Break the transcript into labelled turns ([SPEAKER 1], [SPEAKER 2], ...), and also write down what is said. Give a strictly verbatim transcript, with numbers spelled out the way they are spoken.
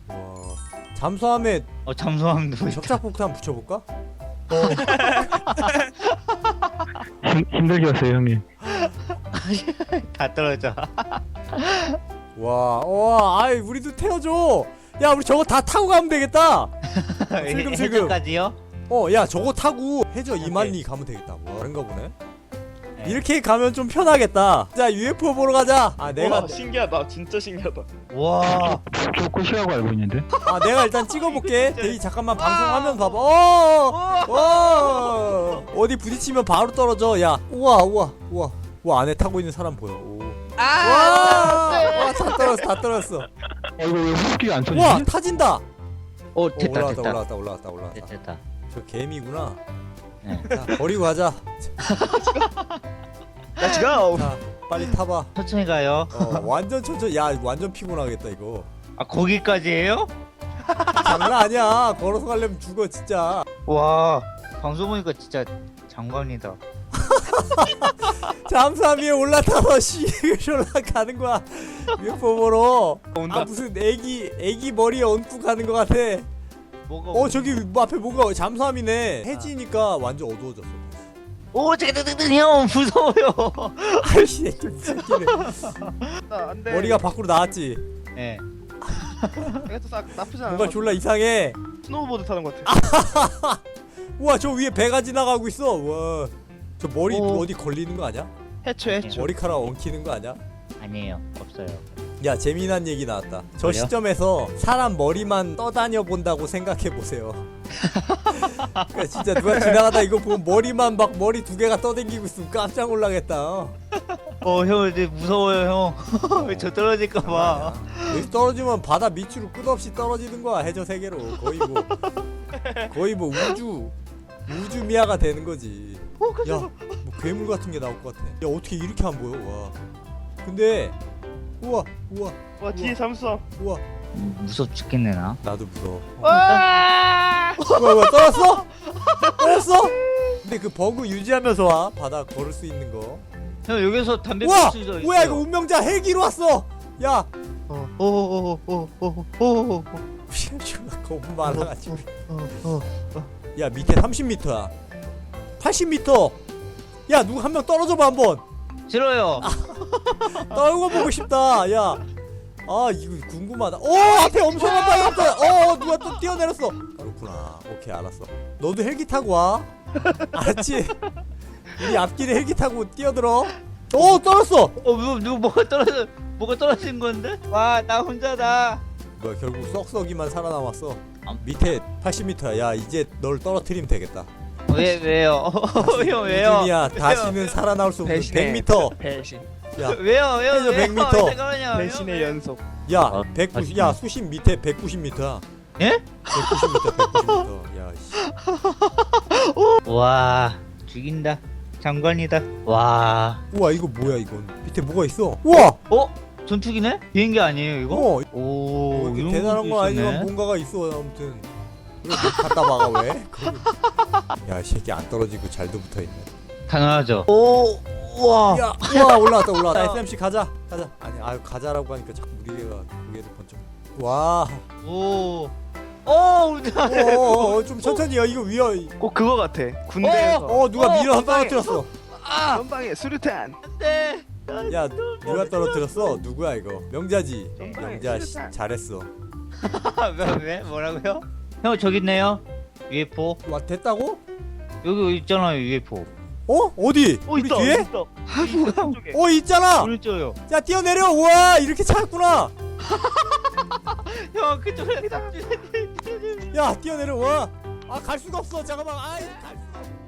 [SPEAKER 1] 와. 잠수함에
[SPEAKER 2] 어 잠수함도 있다.
[SPEAKER 1] 접착폭탄 붙여볼까?
[SPEAKER 3] 힘, 힘들게 왔어요 형님.
[SPEAKER 2] 다 떨어져.
[SPEAKER 1] 와, 와, 아이 우리도 태워줘. 야, 우리 저거 다 타고 가면 되겠다. 슬금슬금.
[SPEAKER 2] 해저까지요?
[SPEAKER 1] 어, 야, 저거 타고 해저 이만리 가면 되겠다. 와, 그런가 보네.
[SPEAKER 2] 네.
[SPEAKER 1] 이렇게 가면 좀 편하겠다. 자, 유에프오 보러 가자. 아, 내가
[SPEAKER 4] 와 신기하다 진짜 신기하다.
[SPEAKER 2] 와.
[SPEAKER 3] 저 꽃이라고 알고 있는데.
[SPEAKER 1] 아, 내가 일단 찍어볼게. 대기 잠깐만 방송하면 봐봐. 어, 어, 어디 부딪히면 바로 떨어져. 야, 우와, 우와, 우와, 우와, 안에 타고 있는 사람 보여. 오. 와, 와, 다 떨어졌어, 다 떨어졌어.
[SPEAKER 3] 어 이거 왜 호흡기가 안 터지지?
[SPEAKER 1] 와, 타진다.
[SPEAKER 2] 오
[SPEAKER 1] 어,
[SPEAKER 2] 됐다
[SPEAKER 1] 올라왔다,
[SPEAKER 2] 됐다.
[SPEAKER 1] 올라왔다, 올라왔다, 올라왔다.
[SPEAKER 2] 됐다 됐다.
[SPEAKER 1] 저 개미구나.
[SPEAKER 2] 네.
[SPEAKER 1] 자, 버리고 가자.
[SPEAKER 4] Let's go.
[SPEAKER 1] 자, 빨리 타봐.
[SPEAKER 2] 천천히 가요.
[SPEAKER 1] 어, 완전 천천히. 야, 완전 피곤하겠다 이거.
[SPEAKER 2] 아 거기까지예요?
[SPEAKER 1] 장난 아니야. 걸어서 가려면 죽어 진짜.
[SPEAKER 2] 와. 방송 보니까 진짜 장관이다.
[SPEAKER 1] 잠수함 위에 올라타서 시를 올라가는 거야. 유에프오 보러.
[SPEAKER 4] 온다.
[SPEAKER 1] 아, 무슨 애기 애기 머리에 얹고 가는 거 같아.
[SPEAKER 2] 뭐가?
[SPEAKER 1] 어, 저기 뭐 앞에 뭐가 잠수함이네. 해지니까 완전 어두워졌어.
[SPEAKER 2] 오 잠깐 잠깐 형 무서워요.
[SPEAKER 1] 아이씨, 새끼네.
[SPEAKER 4] 안돼.
[SPEAKER 1] 머리가 밖으로 나왔지.
[SPEAKER 2] 네.
[SPEAKER 4] 이것도 싹 나쁘지 않아.
[SPEAKER 1] 뭔가 졸라 이상해.
[SPEAKER 4] 스노우보드 타는 것 같아.
[SPEAKER 1] 우와, 저 위에 배가 지나가고 있어. 와, 저 머리
[SPEAKER 2] 오.
[SPEAKER 1] 어디 걸리는 거 아니야?
[SPEAKER 4] 해초 해초.
[SPEAKER 1] 머리카락 엉키는 거 아니야?
[SPEAKER 2] 아니에요 없어요.
[SPEAKER 1] 야, 재미난 얘기 나왔다. 저
[SPEAKER 2] 뭐요?
[SPEAKER 1] 시점에서 사람 머리만 떠다녀 본다고 생각해 보세요. 그러니까 진짜 누가 지나가다 이거 보면 머리만 막 머리 두 개가 떠댕기고 있으면 깜짝 놀라겠다.
[SPEAKER 2] 어 형 이제 무서워요 형. 왜 저 떨어질까봐.
[SPEAKER 1] 여기 떨어지면 바다 밑으로 끝없이 떨어지는 거야. 해저 세계로 거의 뭐 거의 뭐 우주 우주 미아가 되는 거지. 야, 뭐 괴물 같은 게 나올 것 같아. 야, 어떻게 이렇게 안 보여? 와. 근데 우와, 우와,
[SPEAKER 4] 와 뒤에 잠수함.
[SPEAKER 1] 우와.
[SPEAKER 2] 음, 무섭 죽겠네 나.
[SPEAKER 1] 나도 무서워.
[SPEAKER 4] 와.
[SPEAKER 1] 뭐야, 뭐야, 떨었어? 떨었어? 근데 그 버그 유지하면서 와. 바다 걸을 수 있는 거.
[SPEAKER 2] 형 여기서 담배
[SPEAKER 1] 우와!
[SPEAKER 2] 피울 수 있어요.
[SPEAKER 1] 뭐야, 이거 운명자 헬기로 왔어. 야,
[SPEAKER 2] 오오오오오오오.
[SPEAKER 1] 존나 겁 많아가지고.
[SPEAKER 2] 어.
[SPEAKER 1] 야, 밑에 삼십 미터야. 팔십 미터. 야, 누구 한 명 떨어져봐 한번.
[SPEAKER 2] 싫어요.
[SPEAKER 1] 떨고 보고 싶다. 야, 아 이거 궁금하다. 어, 앞에 엄청난 바위 있다. 어, 어, 누가 또 뛰어내렸어. 그렇구나. 오케이, 알았어. 너도 헬기 타고 와. 알았지? 우리 앞길에 헬기 타고 뛰어들어. 어, 떨었어.
[SPEAKER 2] 어 누구 누구 뭐가 떨어져 뭐가 떨어진 건데? 와 나 혼자다.
[SPEAKER 1] 뭐야, 결국 썩썩이만 살아남았어.
[SPEAKER 2] 아.
[SPEAKER 1] 밑에 팔십 미터야. 야, 이제 널 떨어뜨리면 되겠다.
[SPEAKER 2] 왜 왜요? 형 왜요?
[SPEAKER 1] 우준이야, 다시는 살아나올 수 없는 백 미터.
[SPEAKER 4] 배신.
[SPEAKER 1] 야,
[SPEAKER 2] 왜요 왜요
[SPEAKER 1] 해저
[SPEAKER 2] 왜요?
[SPEAKER 1] 백 미터.
[SPEAKER 2] 잠깐만요.
[SPEAKER 4] 배신의 연속.
[SPEAKER 1] 야,
[SPEAKER 2] 아,
[SPEAKER 1] 백구십.
[SPEAKER 2] 아,
[SPEAKER 1] 야, 수심 밑에 백구십 미터야.
[SPEAKER 2] 예?
[SPEAKER 1] 백구십 미터, 백구십 미터. 야, 씨.
[SPEAKER 2] 와 죽인다. 장관이다. 와.
[SPEAKER 1] 우와, 이거 뭐야 이건? 밑에 뭐가 있어? 우와!
[SPEAKER 2] 어? 전투기네? 비행기 아니에요 이거?
[SPEAKER 1] 어,
[SPEAKER 2] 오
[SPEAKER 1] 뭐 이렇게
[SPEAKER 2] 이런
[SPEAKER 1] 대단한
[SPEAKER 2] 것도
[SPEAKER 1] 건 아니지만
[SPEAKER 2] 있었네.
[SPEAKER 1] 뭔가가 있어. 아무튼 왜 갖다 박아 왜? 야, 이 새끼 안 떨어지고 잘도 붙어있네.
[SPEAKER 2] 당연하죠. 오 우와.
[SPEAKER 1] 야, 우와, 올라왔다 올라왔다. 에스엠씨 가자 가자. 아니, 아유, 가자라고 하니까 자꾸 무리개가 무게를 번쩍. 와.
[SPEAKER 2] 오. 오 우리가.
[SPEAKER 1] 어어어, 좀 천천히. 야, 이거 위험.
[SPEAKER 4] 꼭 그거 같아. 군대에서.
[SPEAKER 1] 어, 누가
[SPEAKER 2] 어,
[SPEAKER 1] 밀어
[SPEAKER 4] 건방에.
[SPEAKER 1] 떨어뜨렸어.
[SPEAKER 2] 아
[SPEAKER 4] 전방에 수류탄.
[SPEAKER 2] 안돼.
[SPEAKER 1] 야, 누가 떨어뜨렸어? 누구야 이거? 명자지.
[SPEAKER 4] 정말
[SPEAKER 1] 명자 씨,
[SPEAKER 4] 수류탄.
[SPEAKER 1] 잘했어.
[SPEAKER 2] 왜, 왜? 뭐라고요? 형 저기 있네요. 유에프오.
[SPEAKER 1] 와, 됐다고?
[SPEAKER 2] 여기 있잖아요 유에프오.
[SPEAKER 1] 어? 어디?
[SPEAKER 4] 어
[SPEAKER 1] 우리
[SPEAKER 4] 있다.
[SPEAKER 1] 뒤에?
[SPEAKER 4] 있다. 한국 쪽에.
[SPEAKER 1] 어, 있잖아.
[SPEAKER 2] 오른쪽요.
[SPEAKER 1] 야, 뛰어내려. 우와, 이렇게 찾았구나.
[SPEAKER 2] 형 그쪽에.
[SPEAKER 1] 야, 뛰어내려. 와. 아, 갈 수가 없어. 잠깐만. 아이, 갈 수가 없어.